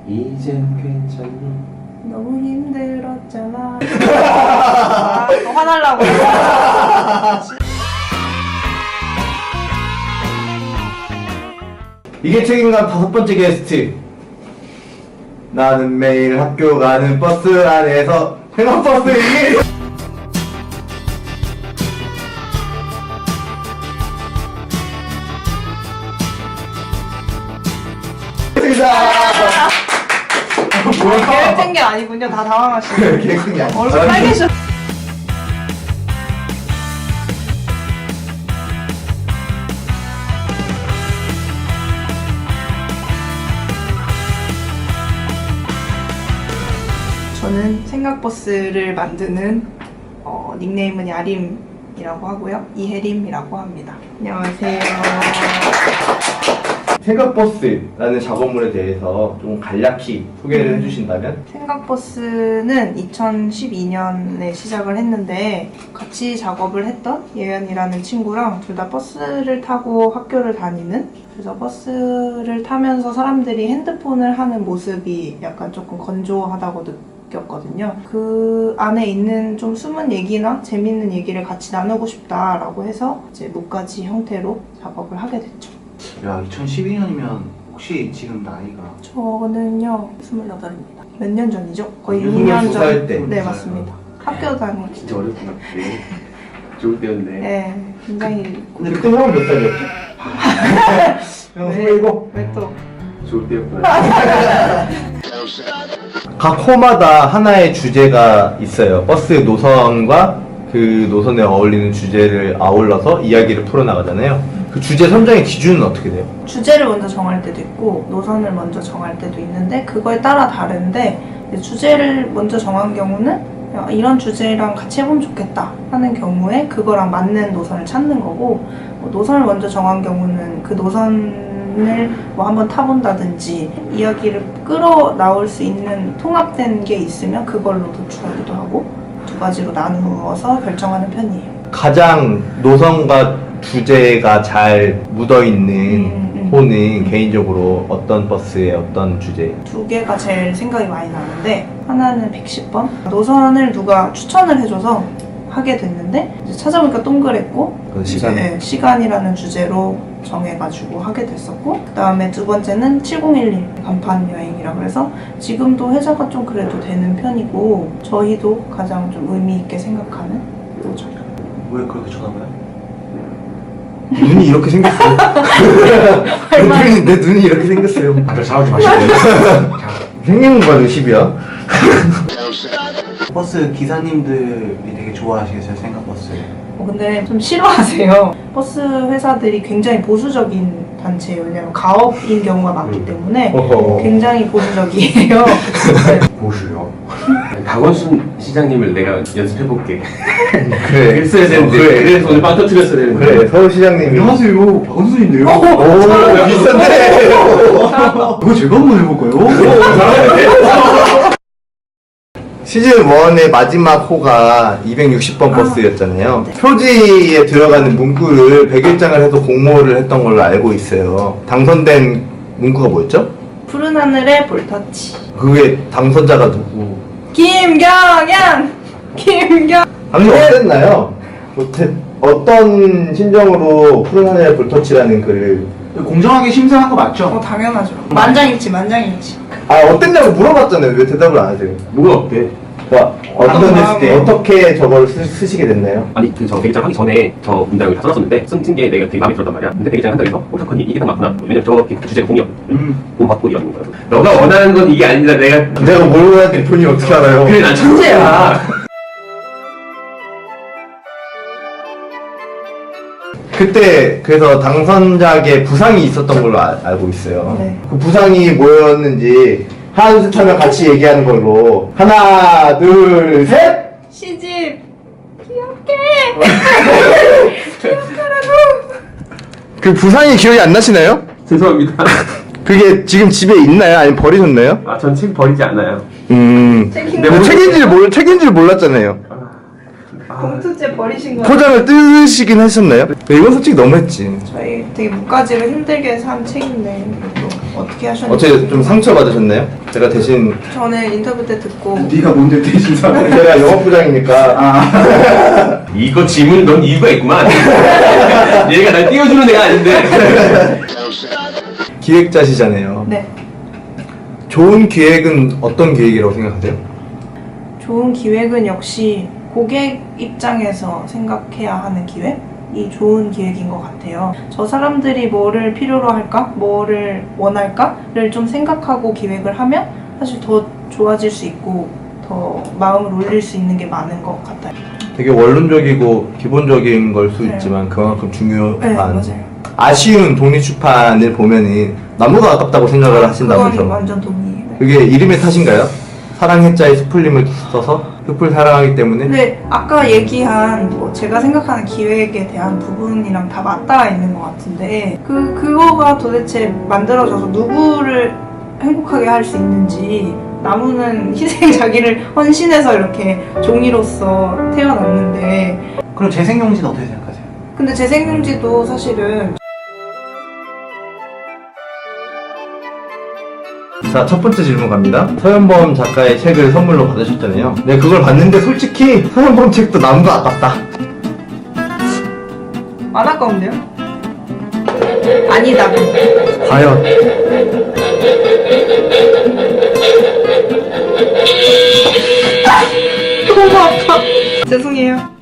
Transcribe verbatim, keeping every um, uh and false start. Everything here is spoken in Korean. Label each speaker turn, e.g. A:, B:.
A: 이젠 괜찮니?
B: 너무 힘들었잖아. 아, 또 화날라고.
C: 이게 책임감 다섯 번째 게스트. 나는 매일 학교 가는 버스 안에서 생활버스 이게
B: 계획된 게 아니군요. 다 당황하시네.
C: 계획이 아니야.
B: 얼굴 빨개져. 저는 생각버스를 만드는 어, 닉네임은 야림이라고 하고요. 이혜림이라고 합니다. 안녕하세요.
C: 생각버스라는 작업물에 대해서 좀 간략히 소개를 해주신다면?
B: 생각버스는 이천십이 년에 시작을 했는데 같이 작업을 했던 예연이라는 친구랑 둘 다 버스를 타고 학교를 다니는, 그래서 버스를 타면서 사람들이 핸드폰을 하는 모습이 약간 조금 건조하다고 느꼈거든요. 그 안에 있는 좀 숨은 얘기나 재밌는 얘기를 같이 나누고 싶다라고 해서 이제 묵가지 형태로 작업을 하게 됐죠.
A: 야, 이천십이 년이면 혹시 지금 나이가?
B: 저는요 스물여덟입니다. 몇 년 전이죠? 거의 육
C: 스물두
B: 년
C: 살
B: 전.
C: 때.
B: 네, 맞습니다. 학교 다니고.
A: 진짜 어렸구나. 네. 좋을 때였네.
B: 네, 굉장히.
C: 근데 그때 형은 몇 살이었지? 형 스물일곱?
B: 왜 또?
A: 좋을 때였구나.
C: 각 호마다 하나의 주제가 있어요. 버스 노선과 그 노선에 어울리는 주제를 아울러서 이야기를 풀어나가잖아요. 그 주제 선정의 기준은 어떻게 돼요?
B: 주제를 먼저 정할 때도 있고 노선을 먼저 정할 때도 있는데 그거에 따라 다른데, 주제를 먼저 정한 경우는 이런 주제랑 같이 해보면 좋겠다 하는 경우에 그거랑 맞는 노선을 찾는 거고, 노선을 먼저 정한 경우는 그 노선을 뭐 한번 타본다든지 이야기를 끌어 나올 수 있는 통합된 게 있으면 그걸로 도출하기도 하고, 두 가지로 나누어서 결정하는 편이에요.
C: 가장 노선과 주제가 잘 묻어있는
B: 음, 음.
C: 호는 개인적으로 어떤 버스의 어떤 주제?
B: 두 개가 제일 생각이 많이 나는데, 하나는 백십 번 노선을 누가 추천을 해줘서 하게 됐는데 이제 찾아보니까 동그랬고,
C: 그 시간?
B: 네, 시간이라는 주제로 정해가지고 하게 됐었고, 그 다음에 두 번째는 칠공일일 간판 여행이라고 해서 지금도 회사가 좀 그래도 되는 편이고 저희도 가장 좀 의미 있게 생각하는 노선.
A: 왜 그렇게 쳐다봐요?
C: 눈이 이렇게 생겼어요. 내, 눈이, 내 눈이 이렇게 생겼어요.
A: 다들 싸우지 마시고요.
C: 생긴 거가 의십이야.
A: 버스 기사님들이 되게 좋아하시겠어요, 생각버스.
B: 어, 근데 좀 싫어하세요. 버스 회사들이 굉장히 보수적인 단체예요. 왜냐면 가업인 경우가 많기 때문에
C: 어허.
B: 굉장히 보수적이에요. 네.
D: 보수요. 박원순 시장님을 내가 연습해볼게.
C: 그래.
D: 그랬어야 되는데.
C: 그래.
D: 그래서 오늘 빵 터뜨렸어야 되는데.
C: 그래, 서울시장님이.
A: 안녕하세요, 박원순인데요.
C: 오, 비싼데?
A: 그거 제가 한번 해볼까요?
C: 시즌 일의 마지막 호가 이백육십 번 버스였잖아요.
B: 네.
C: 표지에 들어가는 문구를 백 일장을 해서 공모를 했던 걸로 알고 있어요. 당선된 문구가 뭐였죠?
B: 푸른 하늘의 볼터치.
C: 그게 당선자가 누구?
B: 김경양! 김경!
C: 당시 어땠나요? 어때- 어떤 심정으로 푸른 하늘의 볼터치라는 글을
A: 공정하게 심사한 거
B: 어,
A: 맞죠?
B: 당연하죠. 만장일치, 만장일치.
C: 아 어땠냐고 물어봤잖아요. 왜 대답을 안 하세요?
D: 뭐가 어때?
C: 와, 어떤 됐을 때
B: 마음에.
C: 어떻게 저걸 쓰, 쓰시게 됐나요?
D: 아니, 그 저 대기장 하기 전에 저 문장을 다 써놨었는데 쓴 게 내가 되게 마음에 들었단 말이야. 근데 대기장 한다고 해서 어, 잠깐 이게 딱 맞구나. 왜냐면 저 주제가 공이었.
A: 음.
D: 공 받고 이러는 거야. 너가 원하는 건 이게 아니라 내가.
C: 내가 뭘 원하는지 본인이 어떻게 알아요?
D: 그래, 난 천재야.
C: 그때 그래서 당선자에게 부상이 있었던 걸로 아- 알고 있어요.
B: 네.
C: 그 부상이 뭐였는지 하나 둘 셋 하면 같이 얘기하는 걸로. 하나 둘 셋.
B: 시집! 귀엽게! 귀엽게라고!
C: 그 부상이 기억이 안 나시나요?
D: 죄송합니다.
C: 그게 지금 집에 있나요? 아니면 버리셨나요?
D: 아, 전 책 버리지 않아요.
C: 음.
B: 책임
C: 근데 뭐 책인지를 몰 책인지를 몰랐잖아요.
D: 아,
B: 봉투째 버리신 거예요?
C: 포장을 뜯으시긴 하셨나요? 네, 이건 솔직히 너무했지.
B: 저희 되게 무가지를 힘들게 산 책인데 또 어떻게 하셨는지.
C: 어째 좀 상처 받으셨나요? 제가 대신
B: 저는 인터뷰 때 듣고
A: 네가 뭔데 대신 사과해.
C: 제가 영업부장이니까
A: 아.
D: 이거 질문 넌 이유가 있구만. 얘가 날 띄워주는 애가 아닌데.
C: 기획자시잖아요.
B: 네.
C: 좋은 기획은 어떤 기획이라고 생각하세요?
B: 좋은 기획은 역시 고객 입장에서 생각해야 하는 기획이 좋은 기획인 것 같아요. 저 사람들이 뭐를 필요로 할까? 뭐를 원할까?를 좀 생각하고 기획을 하면 사실 더 좋아질 수 있고 더 마음을 올릴 수 있는 게 많은 것 같아요.
C: 되게 원론적이고 기본적인 걸 수
B: 네.
C: 있지만 그만큼 중요한
B: 네, 맞아요.
C: 아쉬운 독립출판을 보면은 나무가 아깝다고 생각을
B: 그건
C: 하신다면서
B: 완전 동의해요. 네.
C: 그게 이름의 탓인가요? 사랑해자의 숲풀림을 써서 숲을 사랑하기 때문에
B: 근데 아까 얘기한 뭐 제가 생각하는 기획에 대한 부분이랑 다 맞닿아 있는 것 같은데 그 그거가 도대체 만들어져서 누구를 행복하게 할 수 있는지 나무는 희생 자기를 헌신해서 이렇게 종이로서 태어났는데
A: 그럼 재생용지는 어떻게 생각하세요?
B: 근데 재생용지도 사실은
C: 자, 첫 번째 질문 갑니다. 서현범 작가의 책을 선물로 받으셨잖아요. 네, 그걸 봤는데 솔직히 서현범 책도 나무가 아깝다.
B: 안 아까운데요? 아니다.
C: 과연
B: 너무 아파. 죄송해요.